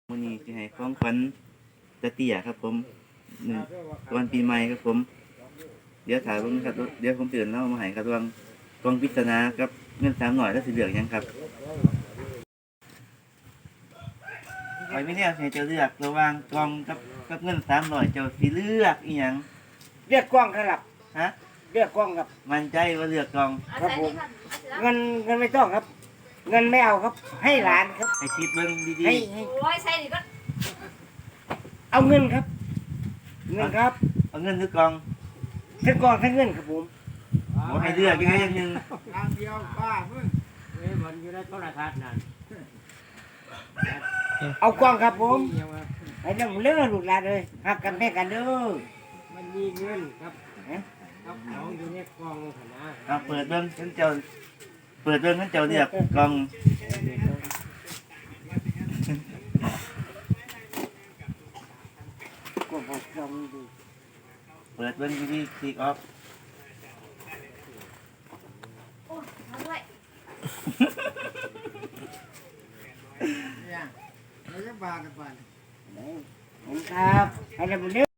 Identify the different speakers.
Speaker 1: มื้อนี้สิให้ของขวัญตาเตี้ยครับผมมื้อวันปีใหม่ครับผมเดี๋ยวถ่ายเบิ่งครับเดี๋ยวผมสิเอิ้นเลามาให้ครับระหว่างกล่องปริศนากับเงิน300แล้วสิเลือกหยังครับข้อยมีแนวให้เจ้าเลือกระหว่างกล่องกับเงิน300เจ้าสิเลือกอีหยัง
Speaker 2: เรียกกล้องครับ
Speaker 1: ฮะ
Speaker 2: เรียกกล้องครับ
Speaker 1: มั่นใจว่าเลือกกล่อง
Speaker 2: ครับผมเงินไม่ต้องครับ เงินไม่เอาครับ ให้หลานครับ
Speaker 1: ให้คิดเบิ่งดี
Speaker 2: ให้
Speaker 1: ๆ
Speaker 3: โอ้ยใส่ดิก็
Speaker 2: เอาเงินครับ เงินครับ
Speaker 1: เอาเงินหรือกล่อง
Speaker 2: ทั้งกล้องทั้งเงินครับผม
Speaker 1: บ่ให้เลือกอย่างหนึง
Speaker 4: ทางเดียวป้ามึงมันอยู่ในโทรทัศน์นั่น
Speaker 2: เอากล้องครับผม
Speaker 4: ยังว่า
Speaker 2: ไอ้เรื่องเลือลูกหลานเลยหักกันแม่กันเด้อ
Speaker 4: มันมีเงินครับครับของอยู่ในกล่องขนาด
Speaker 1: เอาเปิดเบิ่งเพิ่นเจ้าเปิดเบิ่งเพิ่นเจ้าเลือกกล่อง
Speaker 2: กล้องของกล้องดู
Speaker 1: เปิดเบิ่งดีๆคลิกออฟ
Speaker 3: โอ้ยมาด้วย
Speaker 4: เนี่ยเราจะบากันไป
Speaker 2: เห็นครับให้เรื่องเลือ